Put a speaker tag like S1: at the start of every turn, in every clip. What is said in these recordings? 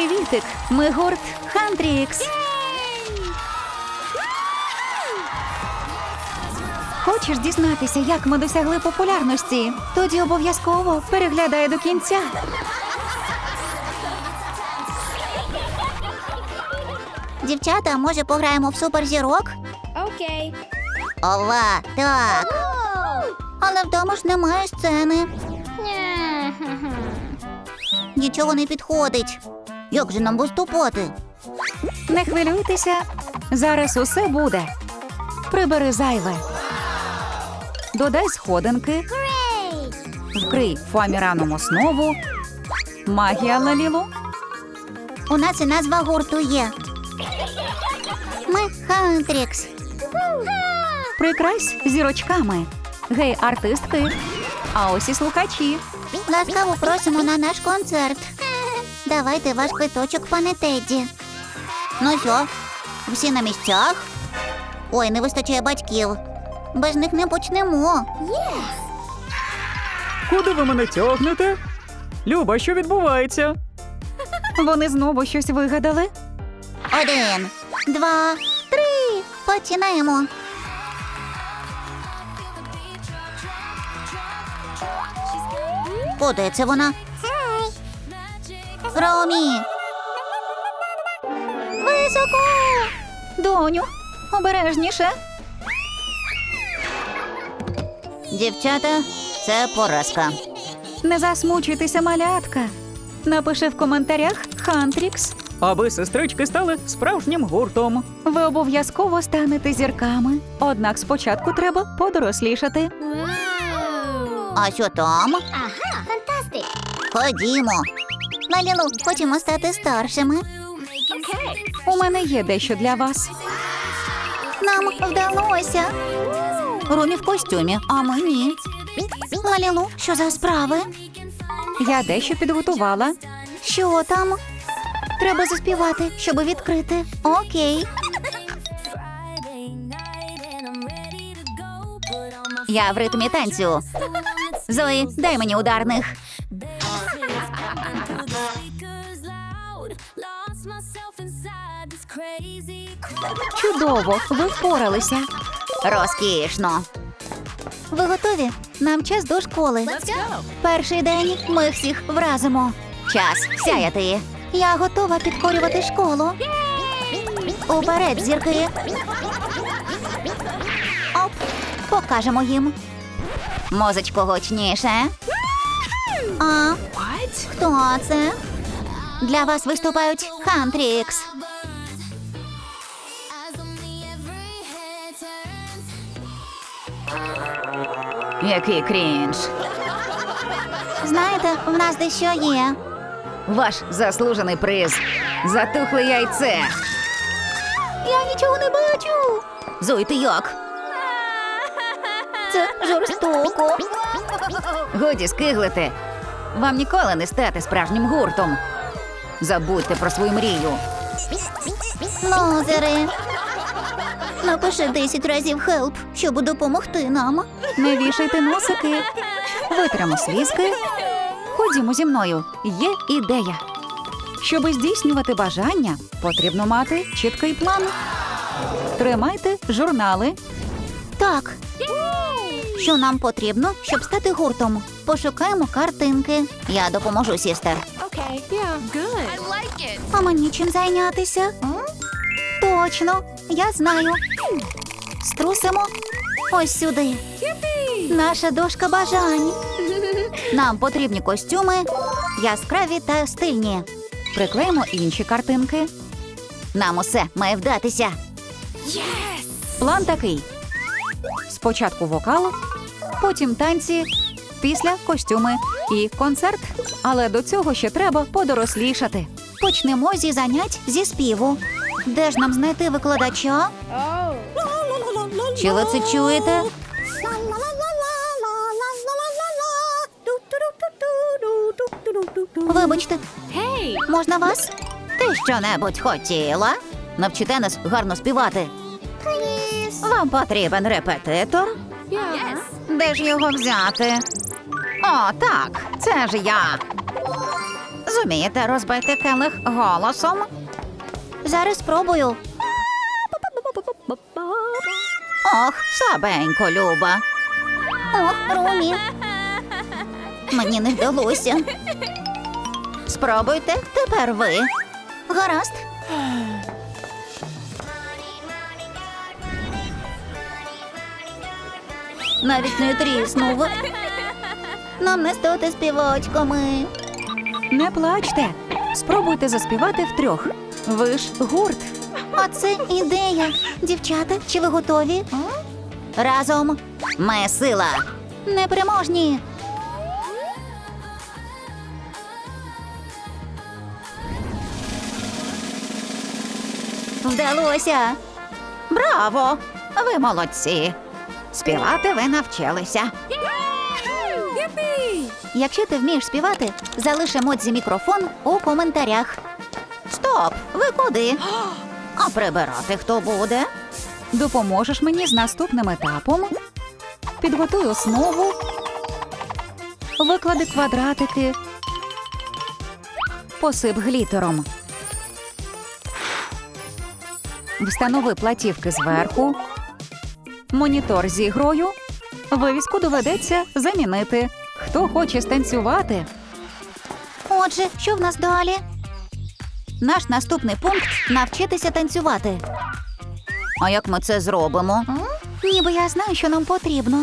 S1: Привітик! Ми гурт Хантрікс. Хочеш дізнатися, як ми досягли популярності? Тоді обов'язково переглядай до кінця.
S2: Дівчата, може пограємо в суперзірок?
S3: Окей.
S2: Ова, так. Але вдома ж немає сцени. Нічого не підходить. Як же нам виступати?
S1: Не хвилюйтеся, зараз усе буде. Прибери зайве. Додай сходинки. Вкрий фоаміраном основу. Магія Лалілу.
S2: У нас і назва гурту є. Ми Хантрікс.
S1: Прикрась зірочками. Гей, артистки. А ось і слухачі.
S2: Ласкаво просимо на наш концерт. Давайте ваш квиточок, пане Тедді. Ну що, всі на місцях? Ой, не вистачає батьків. Без них не почнемо.
S4: Куди ви мене тягнете? Люба, що відбувається?
S1: Вони знову щось вигадали.
S2: 1, 2, 3. Починаємо. Куди це вона? Ромі! Високо!
S1: Доню, обережніше.
S2: Дівчата, це поразка.
S1: Не засмучуйтеся, малятка. Напиши в коментарях Хантрікс.
S4: Аби сестрички стали справжнім гуртом.
S1: Ви обов'язково станете зірками. Однак спочатку треба подорослішати.
S2: А що там?
S3: Ага, фантастик.
S2: Ходімо. Лалілу, хочемо стати старшими.
S3: Окей.
S1: У мене є дещо для вас.
S2: Нам вдалося. Ромі в костюмі, а ми ні. Лалілу, що за справи?
S1: Я дещо підготувала.
S2: Що там? Треба заспівати, щоб відкрити. Окей. Я в ритмі танцю. Зої, дай мені ударних.
S1: Чудово, ви впоралися.
S2: Розкішно. Ви готові? Нам час до школи. Перший день ми всіх вразимо. Час сяяти. Я готова підкорювати школу. Уперед, зірки. Оп, покажемо їм. Музичко гучніше. А, хто це? Для вас виступають Хантрікс.
S1: Який крінж.
S2: Знаєте, в нас дещо є.
S1: Ваш заслужений приз. Затухле яйце.
S2: Я нічого не бачу.
S1: Зой, ти як?
S2: Це жорстоко.
S1: Годі скиглити. Вам ніколи не стати справжнім гуртом. Забудьте про свою мрію.
S2: Лозери. Напиши 10 разів «хелп», щоб допомогти нам.
S1: Не вішайте носики. Витримо слізки. Ходімо зі мною. Є ідея. Щоби здійснювати бажання, потрібно мати чіткий план. Тримайте журнали.
S2: Так. Що нам потрібно, щоб стати гуртом? Пошукаємо картинки. Я допоможу, сістер.
S3: Окей. Yeah. Good. I like it.
S2: А мені чим зайнятися? Точно, я знаю. Струсимо ось сюди. Наша дошка бажань. Нам потрібні костюми, яскраві та стильні.
S1: Приклеїмо інші картинки.
S2: Нам усе має вдатися.
S1: План такий. Спочатку вокал, потім танці, після костюми і концерт. Але до цього ще треба подорослішати.
S2: Почнемо зі занять зі співу. Де ж нам знайти викладача?
S3: Oh.
S2: Чи ви це чуєте? Вибачте,
S3: Hey.
S2: можна вас? Ти що-небудь хотіла? Навчите нас гарно співати. Вам потрібен репетитор?
S3: Yeah.
S2: Де ж його взяти? О, так, це ж я.
S1: Зумієте розбити келих голосом?
S2: Зараз спробую.
S1: Ох, слабенько, Люба.
S2: Ох, Румі. Мені не вдалося.
S1: Спробуйте тепер ви.
S2: Гаразд. Навіть не тріснув. Нам не стати співачками.
S1: Не плачте. Спробуйте заспівати втрьох. Ви ж гурт.
S2: Оце ідея. Дівчата, чи ви готові?
S1: Разом ми сила.
S2: Непереможні. Вдалося.
S1: Браво! Ви молодці. Співати ви навчилися.
S2: Якщо ти вмієш співати, залиш емодзі мікрофон у коментарях.
S1: Стоп! Ви куди? А прибирати хто буде? Допоможеш мені з наступним етапом? Підготуй основу. Виклади квадратики. Посип глітером. Встанови платівки зверху. Монітор з ігрою. Вивіску доведеться замінити. Хто хоче станцювати?
S2: Отже, що в нас далі?
S1: Наш наступний пункт – навчитися танцювати. А як ми це зробимо?
S2: Ніби я знаю, що нам потрібно.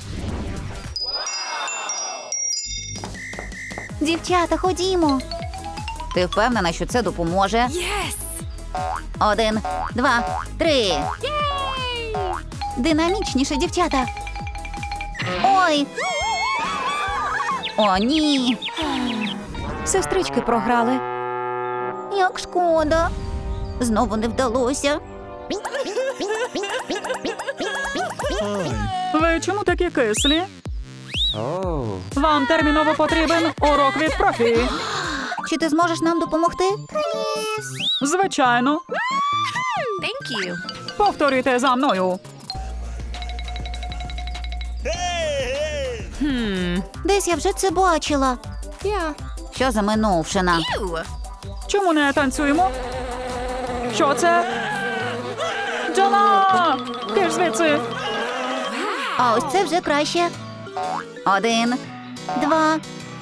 S2: Дівчата, ходімо.
S1: Ти впевнена, що це допоможе?
S3: Yes.
S1: 1, 2, 3.
S2: Динамічніше, дівчата. Ой,
S1: О, ні. Сестрички програли.
S2: як шкода.
S1: Знову не вдалося.
S4: Ви чому такі кислі? Вам терміново потрібен урок від профі.
S2: Чи ти зможеш нам допомогти?
S4: Звичайно.
S3: Thank you.
S4: Повторюйте за мною.
S2: Десь я вже це бачила.
S3: Yeah.
S1: Що за минувшина?
S3: Ew.
S4: Чому не танцюємо? Що це? Джона! Ти ж звідси!
S2: А ось це вже краще.
S1: 1.
S2: 2,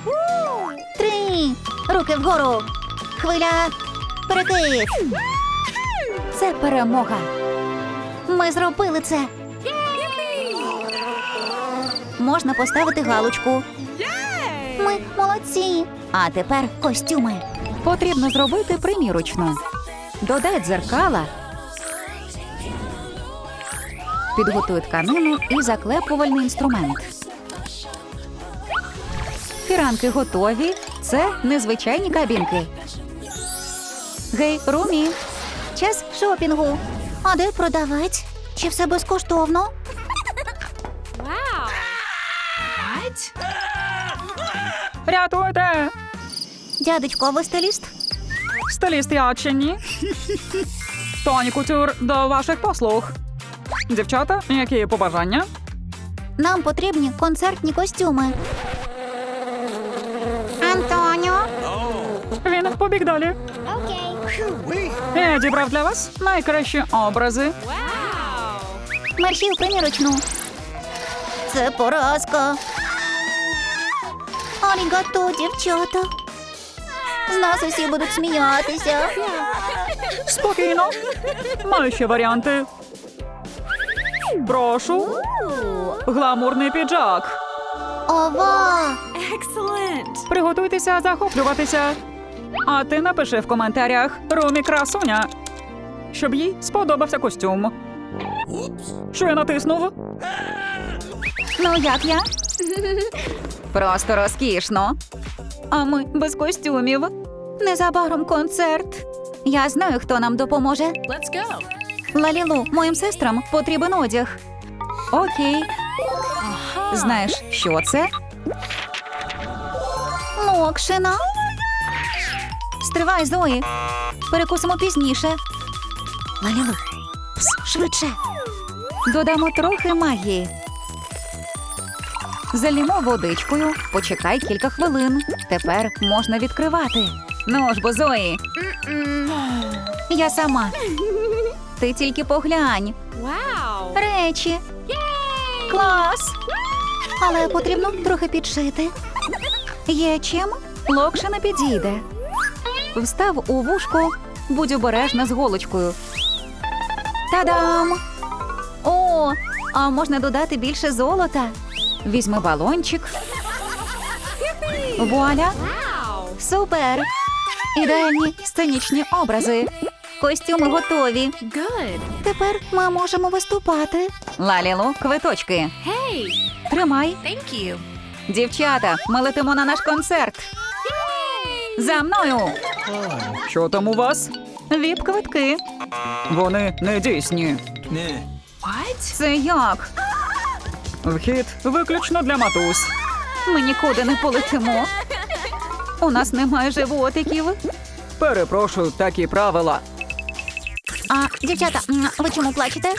S2: 3. Руки вгору. Хвиля. Перекид.
S1: Це перемога.
S2: Ми зробили це. Можна поставити галочку. Ми молодці.
S1: А тепер
S2: Костюми.
S1: потрібно зробити примірочну. Додай дзеркала. Підготуй тканину і заклепувальний інструмент. Фіранки готові. Це незвичайні кабінки. Гей, Румі,
S2: Час шопінгу. А де продавець? Чи все безкоштовно?
S3: Wow. What?
S4: Рятуйте!
S2: Дядечко, а ви стиліст?
S4: Стиліст я чи ні? Тоні Кутюр до ваших послуг. Дівчата, які побажання?
S2: Нам потрібні концертні костюми. Антоніо.
S4: Він побіг далі. Я дібрав для вас найкращі образи.
S3: Wow.
S2: Мерщій у примірочну. Це поразка. Арігато, дівчата. З нас усі будуть сміятися.
S4: Спокійно. Маю ще варіанти. Прошу. Гламурний піджак.
S2: Ова!
S3: Excellent.
S4: Приготуйтеся захоплюватися. А ти напиши в коментарях Румі красуня, щоб їй сподобався костюм. Що я натиснув?
S2: Ну як я?
S1: просто розкішно.
S2: А ми без костюмів. Незабаром концерт. Я знаю, хто нам допоможе.
S3: Let's go.
S2: Лалілу, моїм сестрам потрібен одяг.
S1: Окей. Знаєш, що це?
S2: Локшина. Стривай, Зої. Перекусимо пізніше. Лалілу, швидше.
S1: Додамо трохи магії. Залімо водичкою, почекай кілька хвилин. Тепер можна відкривати. Ну ж бо, Зої. Я сама. Ти тільки поглянь.
S3: Wow.
S1: Речі. Клас. Але потрібно трохи підшити. Є чим? Локше не підійде. Встав у вушко, будь обережна з голочкою. Та-дам! О, а можна додати більше золота? Візьми балончик. Вуаля!
S3: Wow.
S1: Супер! Ідеальні сценічні образи. Костюми готові.
S3: Good.
S1: Тепер ми можемо виступати. Лалілу, квиточки.
S3: Hey.
S1: Тримай.
S3: Thank you.
S1: Дівчата, ми летимо на наш концерт. За мною!
S4: Що там у вас?
S1: Віп-квитки.
S4: Вони не дійсні.
S3: What?
S1: Це як?
S4: Вхід виключно для матусь.
S1: Ми нікуди не полетимо. У нас немає животиків.
S4: Перепрошую, такі правила.
S1: А, дівчата, ви чому плачете?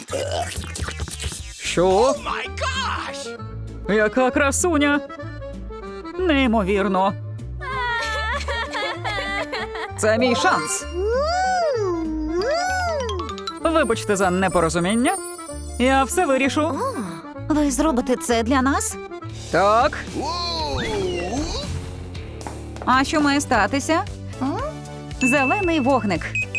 S4: Що? Яка красуня! Неймовірно. Це мій шанс. Вибачте за непорозуміння. Я все вирішу.
S1: Ви зробите це для нас?
S4: Так,
S1: А що має статися? Зелений вогник.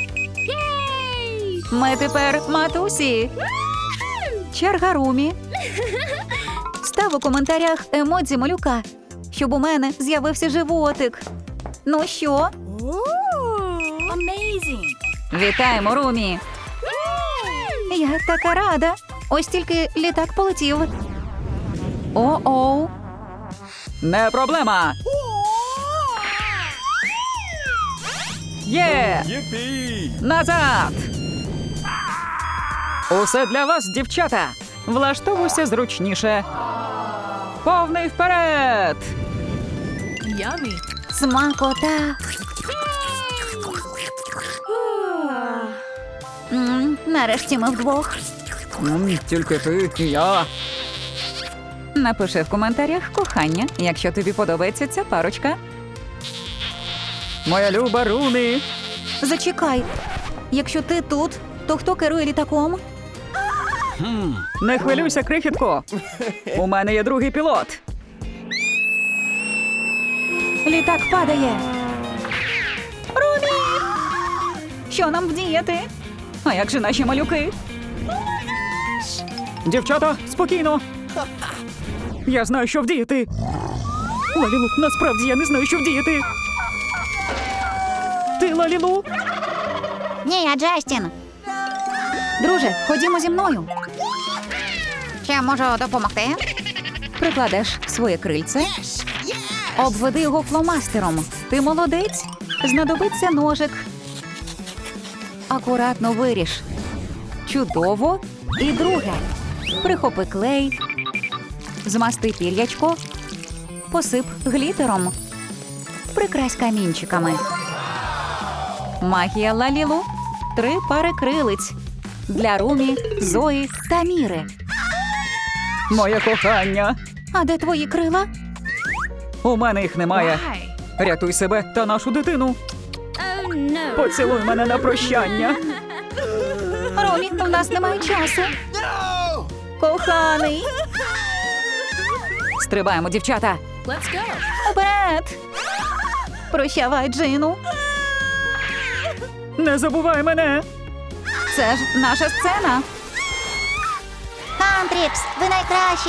S1: Ми тепер матусі. Черга Румі. Став у коментарях емодзі малюка, щоб у мене з'явився животик. Ну що?
S3: Amazing.
S1: Вітаємо, Румі! Я така рада. Ось тільки літак полетів. О-оу.
S4: не проблема. Є! Назад! Усе для вас, дівчата. Влаштовуйся зручніше. Повний вперед!
S3: Yummy.
S1: Смакота. Нарешті ми вдвох.
S4: Тільки ти і я.
S1: Напиши в коментарях кохання, якщо тобі подобається ця парочка.
S4: Моя люба Румі.
S1: Зачекай. Якщо ти тут, то хто керує літаком?
S4: Не хвилюйся, крихітко. У мене є другий пілот.
S1: Літак падає. Румі! Що нам вдіяти? А як же наші малюки?
S4: Дівчата, спокійно. Я знаю, що вдіяти. Лалілу, насправді я не знаю, що вдіяти. Ти, Лалілу?
S2: Ні, я Джастін.
S1: Друже, ходімо зі мною.
S2: Чи можу допомогти?
S1: Прикладеш своє крильце. Обведи його фломастером. Ти молодець. Знадобиться ножик. Акуратно виріж. Чудово. І друге. Прихопи клей. Змасти пір'ячко. Посип глітером. Прикрась камінчиками. Магія Лалілу. 3 пари крилиць. Для Румі, Зої та Міри.
S4: Моє кохання.
S1: А де твої крила?
S4: У мене їх немає.
S3: Why?
S4: Рятуй себе та нашу дитину.
S3: Oh no.
S4: Поцілуй мене на прощання.
S1: Ромі, в нас немає часу. Коханий. Стрибаємо, дівчата.
S3: Let's go.
S1: Вперед. Прощавай, Джину.
S4: Не забувай мене.
S1: Це ж наша сцена.
S2: Хантрікс, ви найкращі.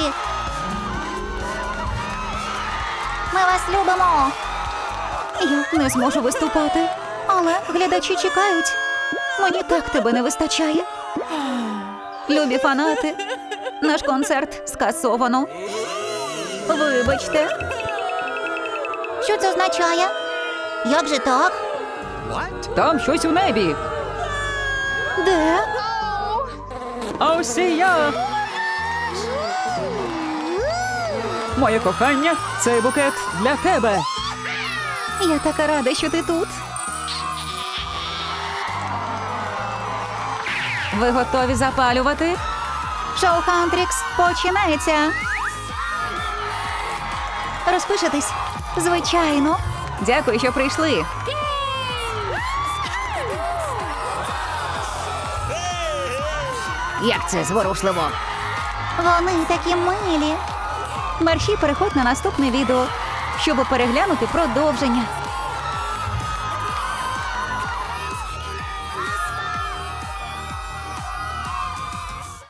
S2: Ми вас любимо.
S1: Я не зможу виступати, але глядачі чекають. Мені так тебе не вистачає. Любі фанати, наш концерт скасовано. Вибачте.
S2: Що це означає? Як же так?
S4: Там щось у небі.
S1: Де?
S4: А ось і я. Моє кохання, цей букет для тебе.
S1: Я така рада, що ти тут. Ви готові запалювати? Шоу Хантрікс починається. Розпишетесь? Звичайно. Дякую, що прийшли. Як це зворушливо.
S2: Вони такі милі.
S1: Мерші, переходь на наступне відео, щоб переглянути продовження.